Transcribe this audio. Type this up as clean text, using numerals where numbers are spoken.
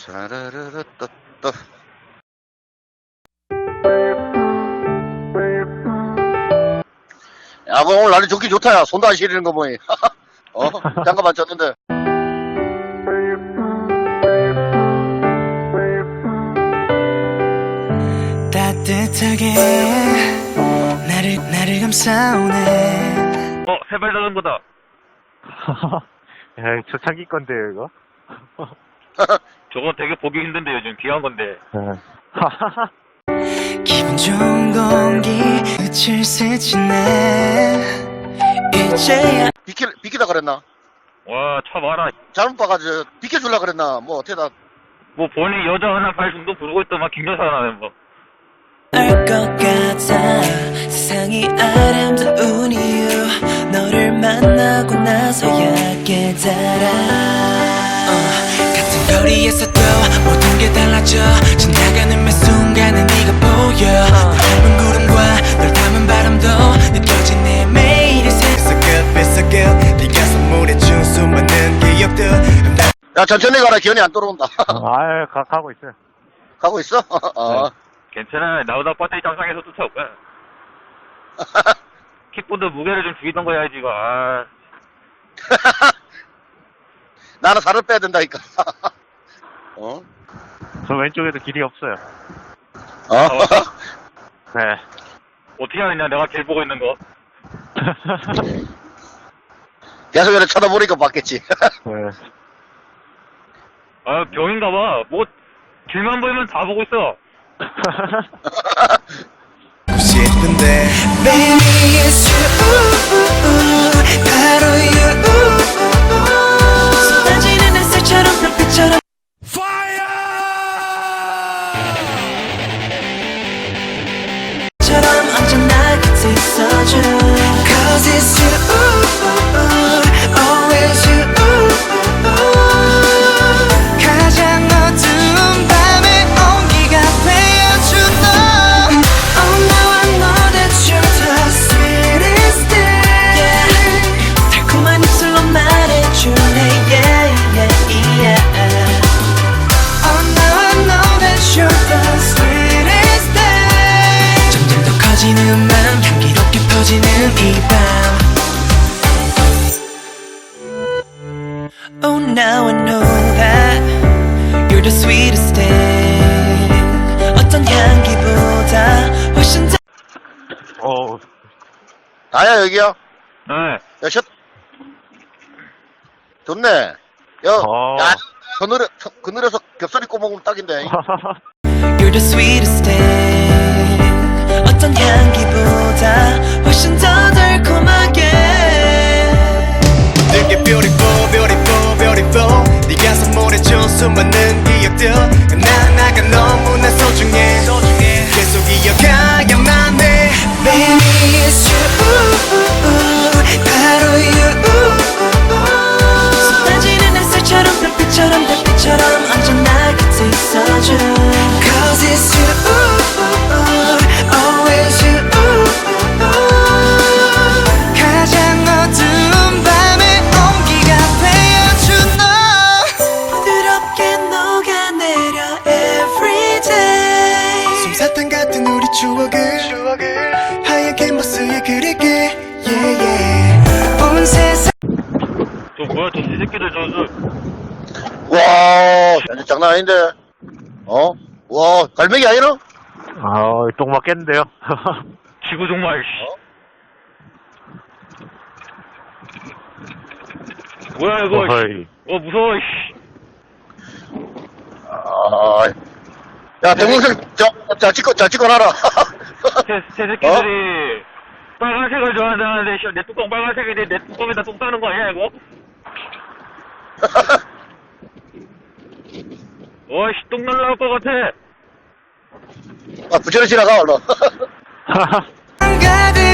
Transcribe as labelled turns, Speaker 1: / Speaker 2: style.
Speaker 1: 따라라라따따. 야, 뭐 오늘 날이 좋긴 좋다, 야. 손도 안 시리는 거 뭐니. 잠깐만 쳤는데.
Speaker 2: 따뜻하게 나를 감싸오네.
Speaker 3: 세발 자전거다.
Speaker 4: 야, 초창기 건데요, 이거?
Speaker 3: 저거 되게 보기 힘든데 요즘 귀한 건데.
Speaker 2: 기분 좋은 공기 끝을 스치네. 이제야
Speaker 1: 비키다 그랬나?
Speaker 3: 와, 차 봐라.
Speaker 1: 잘못 봐가지고 비켜줄라 그랬나? 뭐 어때다.
Speaker 3: 뭐 본인 여자 하나 발 정도 부르고 있더만 김여사라네 뭐.
Speaker 2: 알 것 같아. 세상이 아름다운 이유 너를 만나고 나서야 깨달아. 같은 거리에서도 모든 게 달라져. 지나가는 매 순간에 네가 보여. 널 닮은 구름과 널 담은 바람도 느껴진 내 매일의
Speaker 5: It's so good 네가 선물해준 수많은 기억들.
Speaker 1: 야, 천천히 가라. 기현이 안 돌아온다.
Speaker 4: 아유, 가고 있어요.
Speaker 1: 가고 있어?
Speaker 3: 괜찮아. 나보다 배터리 장상에서 쫓아올 거야. 킥보드 무게를 좀 줄이던 거 해야지 이거. 아.
Speaker 1: 나는 살을 빼야 된다니까.
Speaker 4: 저 왼쪽에도 길이 없어요. 네.
Speaker 3: 어떻게 하느냐 내가 길 보고 있는 거.
Speaker 1: 계속 이렇게 쳐다보니까 봤겠지.
Speaker 4: 네.
Speaker 3: 아, 병인가 봐. 뭐 길만 보이면 다 보고 있어.
Speaker 5: 싶은데
Speaker 2: Baby it's you 바로 you 쏟아지는 햇살처럼 별빛처럼 처럼 언제나 곁에 있어줘 Cause it's you always you 가장 어두운 밤의 온기가 되어준 너 Oh now I know that you're the sweetest thing 달콤한 입술로 말해줄래 yeah yeah yeah Oh now I know that you're the sweetest thing 점점 더 커지는 맘 향기롭게 퍼지는 이 밤 Oh now I know that You're the sweetest thing 어떤 향기보다 훨씬 더
Speaker 1: 나야, 여기야.
Speaker 3: 네.
Speaker 1: 야, 좋네. 야, 야, 그늘에서 겹살이 꼬먹으면 딱인데.
Speaker 2: You're the sweetest thing 어떤 향기보다 훨씬 더 달콤하게
Speaker 5: 되게 beautiful beautiful beautiful 네가 선물해준 수많은 기억들 나가 너무나 소중해 계속 이어가야만 해
Speaker 2: Baby it's you 바로 you 쏟아지는 햇살처럼 별빛처럼 달빛처럼 언제나 곁에 있어줘 Cause it's you always you 가장 어두운 밤의 온기가 되어준 너 부드럽게 녹아내려 everyday
Speaker 5: 솜사탕 같은 우리 추억을 하얀 캔버스에 그릴게 yeah yeah
Speaker 2: 온 세상
Speaker 3: 저 뭐야 저 새끼들
Speaker 1: 와, 야, 장난 아닌데. 와, 갈매기 아니라?
Speaker 4: 똥 맞겠는데요?
Speaker 3: 지구 정말. 뭐야 이거.
Speaker 4: 어이.
Speaker 3: 무서워. 씨.
Speaker 1: 야, 동영상, 찍어놔라.
Speaker 3: 새 새끼들이 빨간색을 좋아한다는데 내 뚜껑 빨간색인데 내 뚜껑에다 똥 싸는 거 아니야 이거? 어이씨 똥 날라올 것 같아.
Speaker 1: 부천에 지나가, 얼른.
Speaker 2: 가득